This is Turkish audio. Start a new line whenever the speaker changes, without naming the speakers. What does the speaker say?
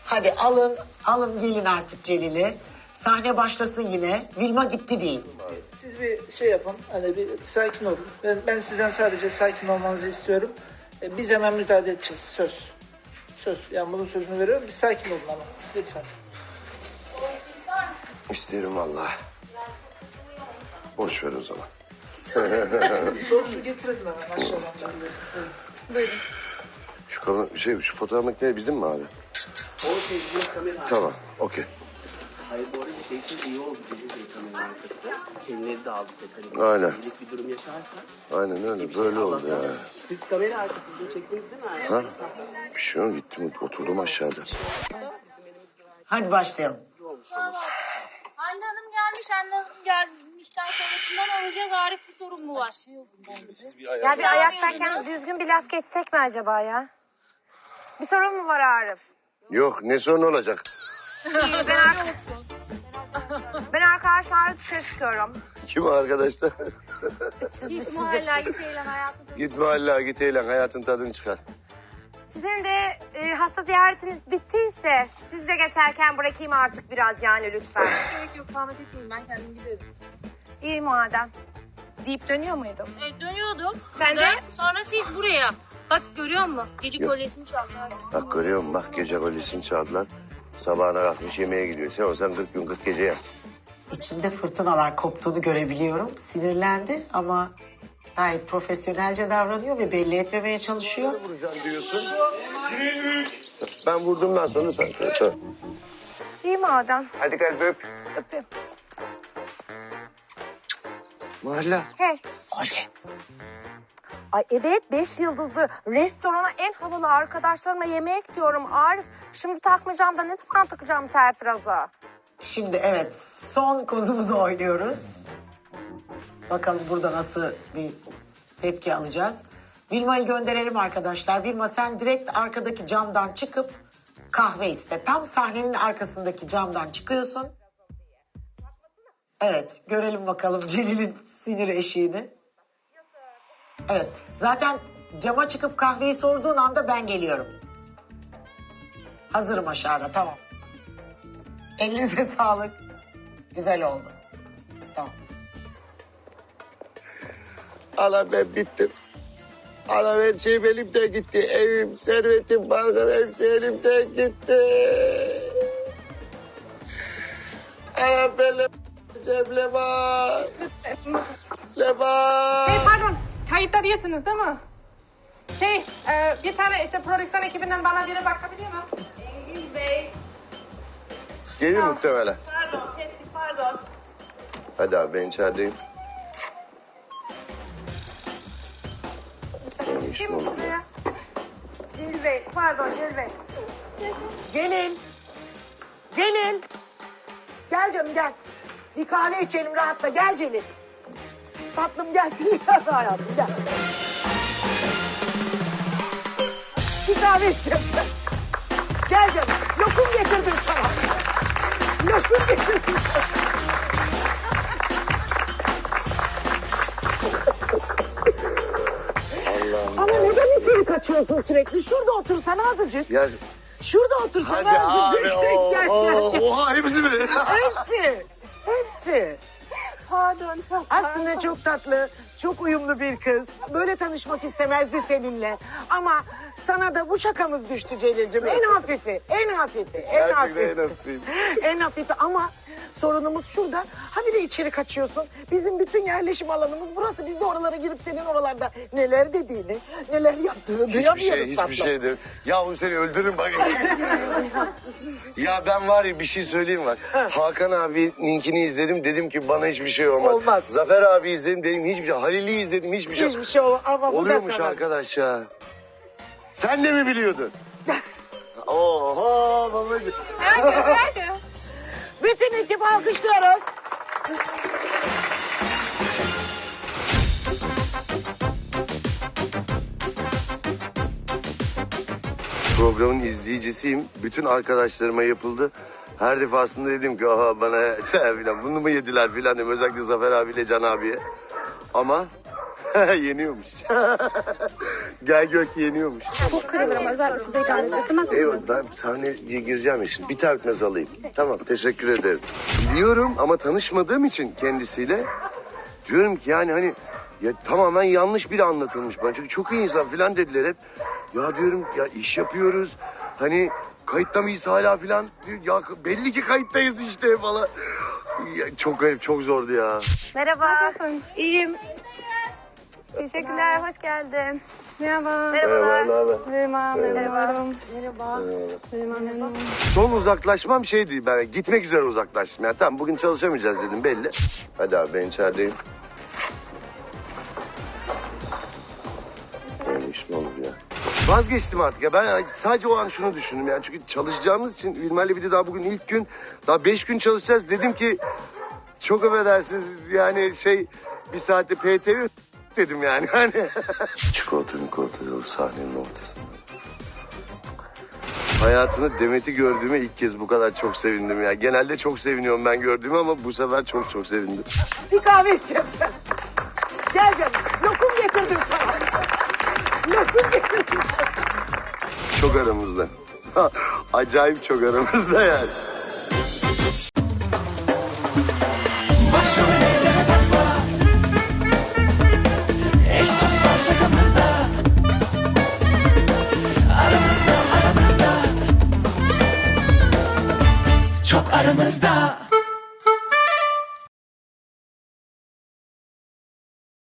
Hadi alın gelin artık Celil'i. Sahne başlasın yine. Vilma gitti değil.
Siz bir şey yapın, hani bir sakin olun. Ben sizden sadece sakin olmanızı istiyorum. Biz hemen müdahale edeceğiz, söz. Söz, yani bunun sözünü veriyorum. Bir sakin olun ama, lütfen.
İsterim vallahi. Boş ver o zaman.
Soğuk su getirelim hemen aşağıdan. Buyurun.
Şu fotoğraf makinesi bizim mi abi?
O şey kamera.
Tamam, okey.
Hayır bu arada şey için iyi oldu bizim kamera arkasında. Kendileri de aldı set.
Aynen.
Bir durum yaşarsa.
Aynen öyle, böyle oldu ya.
Siz kamera arkasında çektiniz değil mi?
Ha? Bir şey yok, gittim oturdum aşağıda.
Hadi başlayalım.
Anne Hanım gelmiş, Anne Hanım gelmişten sonrasından olacak Arif bir sorun mu var?
Ya bir ayaktayken düzgün bir laf geçsek mi acaba ya? Bir sorun mu var Arif?
Yok, ne sorun olacak?
Ben arkadaşlarla dışarı çıkıyorum.
Kim o arkadaşlar?
Git muhalla git eğlen hayatım.
Git mahalleye, git eğlen, hayatın tadını çıkar.
Sizin de hasta ziyaretiniz bittiyse siz de geçerken bırakayım artık biraz yani lütfen.
Gerek yok zahmet etmeyin ben kendim giderim.
İyi madem. Deyip dönüyor muydum?
Dönüyorduk.
Sen de?
Sonra siz buraya. Bak görüyor musun? Gece
Yok.
kolyesini çaldılar.
Bak görüyor musun? Bak gece kolyesini çaldılar. Sabahına kalkmış yemeğe gidiyor. Sen olsan 40 gün 40 gece yaz.
İçinde fırtınalar koptuğunu görebiliyorum. Sinirlendi ama gayet profesyonelce davranıyor ve belli etmemeye çalışıyor.
Vuracağım diyorsun. Ben vurdumdan sonra sen. Tamam.
İyi madem.
Hadi kalp öp.
Öpeyim.
Mahalle.
Hey.
Oley.
Ay evet 5 yıldızlı restorana en havalı arkadaşlarıma yemeğe gidiyorum Arif. Şimdi takmayacağım da ne zaman takacağım Serfiraz'a?
Şimdi evet son kozumuzu oynuyoruz. Bakalım burada nasıl bir tepki alacağız. Vilma'yı gönderelim arkadaşlar. Vilma sen direkt arkadaki camdan çıkıp kahve iste. Tam sahnenin arkasındaki camdan çıkıyorsun. Evet görelim bakalım Celil'in sinir eşiğini. Evet zaten cama çıkıp kahveyi sorduğun anda ben geliyorum. Hazırım aşağıda tamam. Elinize sağlık. Güzel oldu. Tamam.
Ana ben bittim. Ana her şeyim elimden gitti. Evim, servetim, barkım hepsi elimden gitti. Ana ben Leman. Leman.
Pardon, kayıtta değilsiniz değil mi? Bir tane işte prodüksiyon ekibinden bana biri bakabilir mi? Engin Bey.
Gelir muhtemelen.
Pardon, kestik pardon.
Hadi abi ben içerideyim. Benim işim oldu.
Celil Bey, pardon Celil Bey.
Celil. Celil. Gel canım gel. Bir kahve içelim rahatla. Gel Celil. Tatlım gelsin. Gel hayatım gel. Bir kahve içelim. Gel canım. Lokum getirdim sana. Lokum getirdim sana. Ama neden içeri kaçıyorsun sürekli? Şurada otursana azıcık.
Ya,
Şurada otursana
hadi
azıcık.
abi.
Gel, gel, gel.
Oha hepsi mi?
Hepsi. Hepsi.
Pardon.
Aslında çok tatlı, çok uyumlu bir kız. Böyle tanışmak istemezdi seninle. Ama sana da bu şakamız düştü Celil'cim. En hafifi, en hafifi, en
Gerçekten
hafifi.
en hafifi.
En hafifi ama sorunumuz şurada. Ha bir de içeri kaçıyorsun. Bizim bütün yerleşim alanımız burası. Biz de oralara girip senin oralarda neler dediğini, neler yaptığını duyamıyoruz
Hiçbir
tatlım.
şey değil. Yahu seni öldürürüm bak. Ya ben var ya bir şey söyleyeyim var. Hakan abininkini izledim dedim ki bana hiçbir şey olmaz.
Olmaz.
Zafer abi izledim dedim hiçbir şey. Halil'i izledim hiçbir şey.
Hiçbir şey olmaz ama bu da
Oluyormuş
sana.
arkadaş ya. Sen de mi biliyordun? Oho babacığım.
Bütün ekip alkışlıyoruz.
Programın izleyicisiyim. Bütün arkadaşlarıma yapıldı. Her defasında dedim ki aha bana filan bunu mu yediler filan dedim. Özellikle Zafer abiyle Can abiye. Ama Yeniyormuş. Gel gök yeniyormuş.
Çok kırılırım. Özellikle size gelmek istemez
Eyvallah,
misiniz?
ben sahneye gireceğim ya şimdi. Bir tane öpmez alayım. Tamam, teşekkür ederim. Biliyorum ama tanışmadığım için kendisiyle diyorum ki yani hani ya tamamen yanlış biri anlatılmış bana. Çünkü çok iyi insan falan dediler hep. Ya diyorum ya iş yapıyoruz. Hani kayıtta mıyız hala falan. Ya belli ki kayıttayız işte falan. Ya, çok garip, çok zordu ya.
Merhaba. Nasılsın? İyiyim. Teşekkürler. Hoş geldin.
Merhaba.
Merhabalar.
ne haber?
Merhaba. Merhaba.
Merhaba.
Son uzaklaşmam şeydi, ben gitmek üzere uzaklaştım. Yani tamam bugün çalışamayacağız dedim belli. Hadi abi ben içerideyim. Böyle iş mi olur ya? Vazgeçtim artık ya, ben yani sadece o an şunu düşündüm yani. Çünkü çalışacağımız için Ülmer'le bir de daha bugün ilk gün, daha 5 gün çalışacağız. Dedim ki çok affedersiniz yani bir saatte PTV dedim yani. Hani. Çikolata yolu sahnenin ortasında. Hayatımda Demet'i gördüğüme ilk kez bu kadar çok sevindim ya. Genelde çok seviniyorum ben gördüğümü ama bu sefer çok çok sevindim.
Bir kahve içeceğim. Gel canım. Lokum getirdim sana. Lokum getirdim.
Çok aramızda. Acayip çok aramızda yani.
Başımı elleme takma. Eş dost var şakamızda. Aramızda. Çok aramızda.